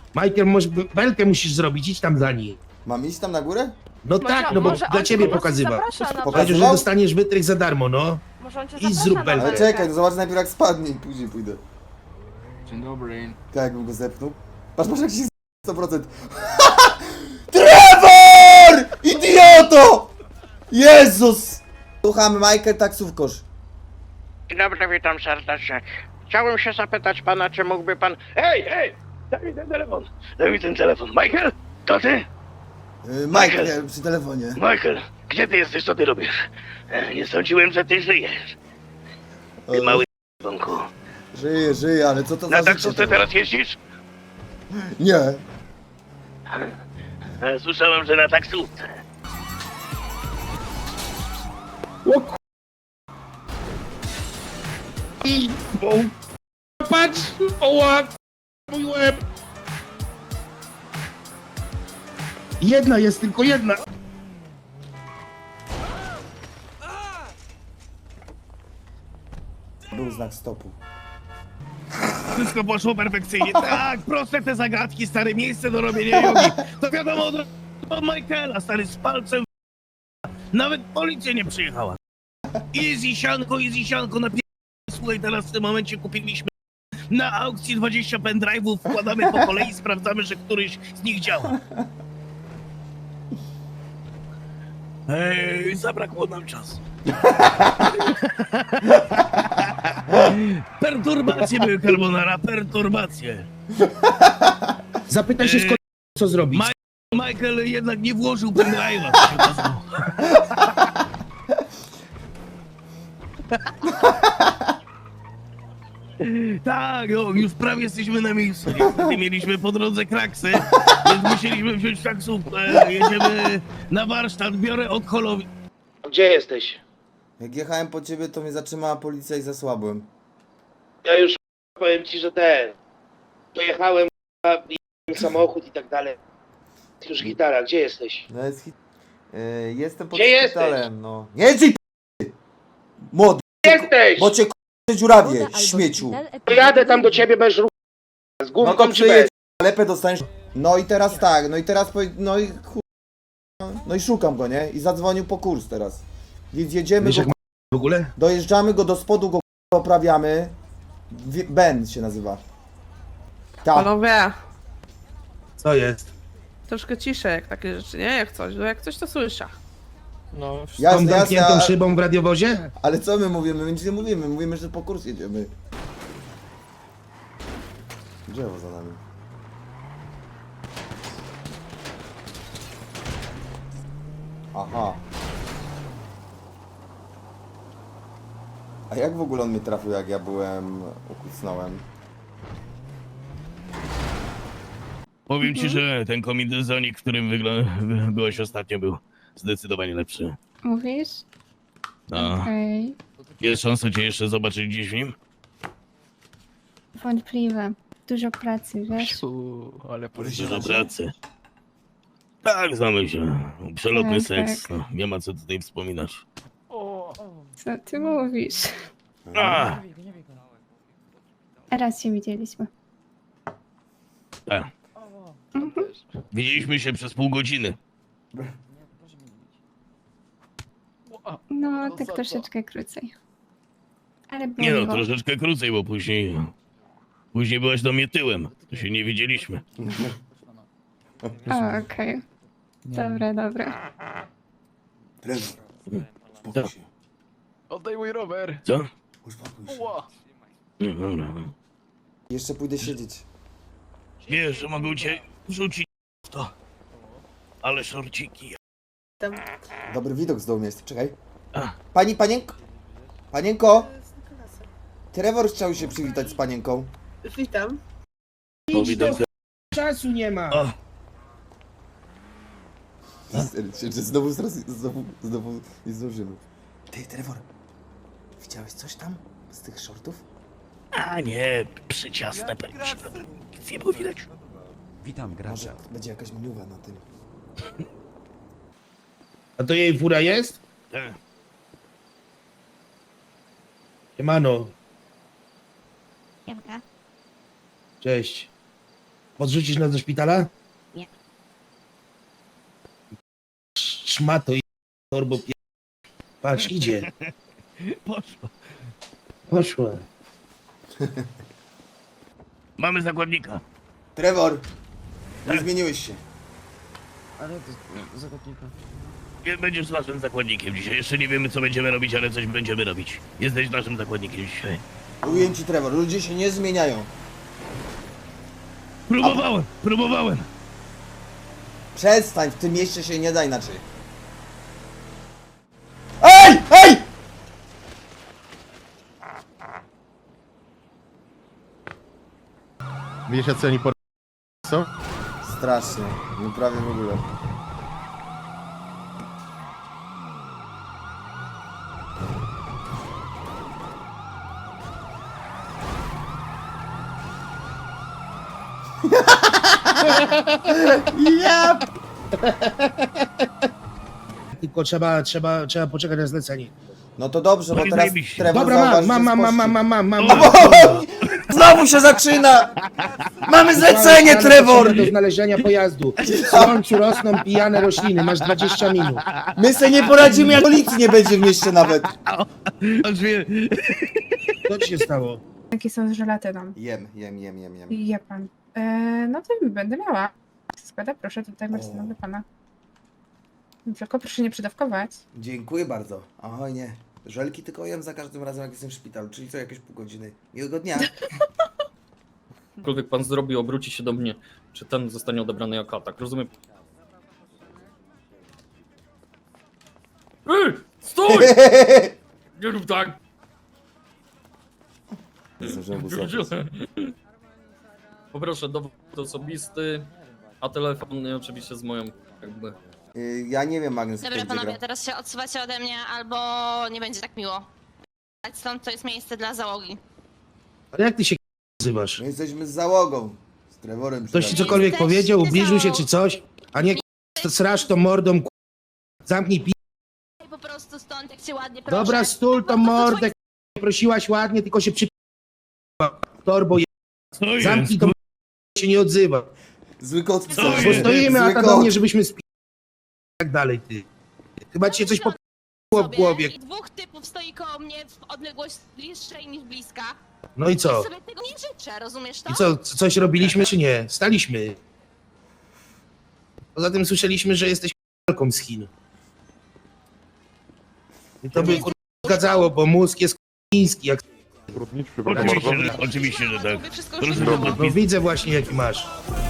Michael, może belkę musisz zrobić, idź tam za nim. Mam iść tam na górę? No Może- tak, no bo może dla on ciebie po prostu pokazywał. zaprasza na Pokazywał? Powiedział, że dostaniesz wytrych za darmo, no. Może on cię I zaprasza zrób na belkę. Ale czekaj, no zobacz najpierw jak spadnie i później pójdę. Dzień dobry. Tak jakbym go zepnął. Patrz jak się 100%. Trevor! Idioto! Jezus! Słuchamy, Michael, taksówkarz. Dzień dobry, witam serdecznie. Chciałbym się zapytać pana, czy mógłby pan... Hej! Daj mi ten telefon! Daj mi ten telefon. Michael? To ty? Michael, przy telefonie. Michael, gdzie ty jesteś? Co ty robisz? Nie sądziłem, że ty żyjesz. Ty mały d***onku. Żyje, ale co to Na za taksówce życie? teraz jeździsz? Nie. Słyszałem, że na taksówce. Patrz! Oła! Mój łeb! Jedna jest, tylko jedna. Był znak stopu. Wszystko poszło perfekcyjnie. Tak, proste te zagadki, stare miejsce do robienia jogi. To wiadomo od Michaela, stary, z palcem nawet policja nie przyjechała. Easy sianko, słuchaj, teraz w tym momencie kupiliśmy na aukcji 20 pendrive'ów, wkładamy po kolei, sprawdzamy, że któryś z nich działa. Ej, zabrakło nam czasu. Perturbacje były, Carbonara, perturbacje. Zapytaj się skąd, co zrobić. Michael jednak nie włożył pendrive'a, co się okazało. Tak, no, już prawie jesteśmy na miejscu. Niestety mieliśmy po drodze kraksy, więc musieliśmy wziąć taksówkę. Jedziemy na warsztat, biorę od holowi. Gdzie jesteś? Jak jechałem po ciebie, to mnie zatrzymała policja i zasłabłem. Ja już powiem ci, że dojechałem, samochód i tak dalej. Już gitara, gdzie jesteś? No jest jestem pod Gdzie szpitalem, no. Nie drzwi młody, Jesteś! bo cię dziurawie, śmieciu. Jadę tam do ciebie bez ruchu. Z No gumką to czy przyjedź, bez? lepę dostaniesz. No i teraz tak, no i no i szukam go, nie? I zadzwonił po kurs teraz. Więc jedziemy Wiesz, go, jak ma w ogóle? dojeżdżamy go do spodu, go poprawiamy. Ben się nazywa. Tak. Panowie, Co jest? troszkę ciszej jak takie rzeczy, nie? Jak coś, no jak coś to słyszę. No, Tą Jasne, zamkniętą jasne, szybą w radiowozie? ale co my mówimy? My nic nie mówimy, mówimy, że po kurs jedziemy. Drzewo za nami. Aha. A jak w ogóle on mnie trafił, jak ja ukucnąłem? Powiem ci, że ten kombinezon, w którym byłeś ostatnio, był zdecydowanie lepszy. Mówisz? No. Okej. Jest szansa cię jeszcze zobaczyć gdzieś w nim? Wątpliwe. Dużo pracy, wiesz? ale Dużo pracy. Tak, znamy się. Przelotny Tak, seks. tak. No, nie ma co tutaj wspominać. Co ty mówisz? A, Raz się widzieliśmy. tak. Widzieliśmy się przez pół godziny. No, tak troszeczkę krócej. Ale było Nie no, miło. troszeczkę krócej, bo później byłaś do mnie tyłem. To się nie widzieliśmy. O, okej. Dobra, dobra. Trevor, uspokój się. Oddaj mój rower. Co? Uspokój się. Ła. No, dobra. Jeszcze pójdę siedzieć. Wiesz, że mogą cię rzucić w to. Ale szorciki. Dobry widok z dołu jest. Czekaj. A. Panienko! Trevor chciał się przywitać z panienką. Witam. Czasu nie ma. Znowu nie zdążymy. Ty, Trevor, widziałeś coś tam z tych shortów? A nie, przyciasne się nic nie było widać. Witam Może gracza. będzie jakaś miniuwa na tym. A to jej fura jest? Tak. Siemano. Siemka. Cześć. Podrzucisz nas do szpitala? Nie. Szmato i torbo pie... Patrz, idzie. Poszło. Poszła. Mamy zakładnika. Trevor, nie zmieniłeś się. Ale to zakładnika. Będziesz naszym zakładnikiem dzisiaj. Jeszcze nie wiemy, co będziemy robić, ale coś będziemy robić. Jesteś naszym zakładnikiem dzisiaj. Mówiłem ci, Trevor, ludzie się nie zmieniają. Próbowałem. Przestań, w tym mieście się nie da inaczej. Ej! Ej! Wiesz, jacy oni są? Strasznie, no prawie w ogóle. Ja Tylko trzeba poczekać na zlecenie. No to dobrze, bo No i teraz zajebiście. Trevor Dobra, zauważy, że mam. Znowu się zaczyna! Mamy zlecenie, Trevor! Do znalezienia pojazdu. Słońcu rosną pijane rośliny, masz 20 minut. My se nie poradzimy, jak policji nie będzie w mieście nawet. Co ci się stało? Jakie są z żelatyną? Jem. Je pan. No to będę miała. Składa, proszę, tutaj Marcina dla pana. Tylko proszę nie przydawkować. Dziękuję bardzo. Oj nie. Żelki tylko jem za każdym razem, jak jestem w szpitalu, czyli co jakieś pół godziny. Miłego dnia. Cokolwiek pan zrobi, obróci się do mnie, czy ten zostanie odebrany jako atak, rozumiem? Ej, stój! Nie rób tak! Poproszę dowód osobisty, a telefon oczywiście z moją jakby... Ja nie wiem, Agnes, Dobra, panowie, teraz się odsuwacie ode mnie, albo nie będzie tak miło. Stąd to jest miejsce dla załogi. Ale jak ty się nazywasz? My jesteśmy z załogą. Z Trevorem. Ktoś ci przynajmniej. cokolwiek Jesteście powiedział, ubliżył się za- czy coś? A nie srasz to mordą, zamknij pi... Po prostu stąd, jak cię ładnie proszę. Dobra, stul to mordę, prosiłaś ładnie, tylko się przy... Torbo je... Co jest? Zamknij to się nie odzywa. Zły kot w Co celu. jest? Bo stoimy, Zły a ta kot. do mnie, żebyśmy spi... tak dalej, ty. Chyba ci się coś po w głowie. I dwóch typów stoi koło mnie w odległość bliższej niż bliska. No i Ja co? sobie tego nie życzę, rozumiesz to? I co, coś robiliśmy czy nie? Staliśmy. Poza tym słyszeliśmy, że jesteś k***alką z Chin. I to by kur... zgadzało, bo mózg jest chiński, jak... Oczywiście, że tak. Wszystko już Proszę wiadomo. do No widzę właśnie jaki masz.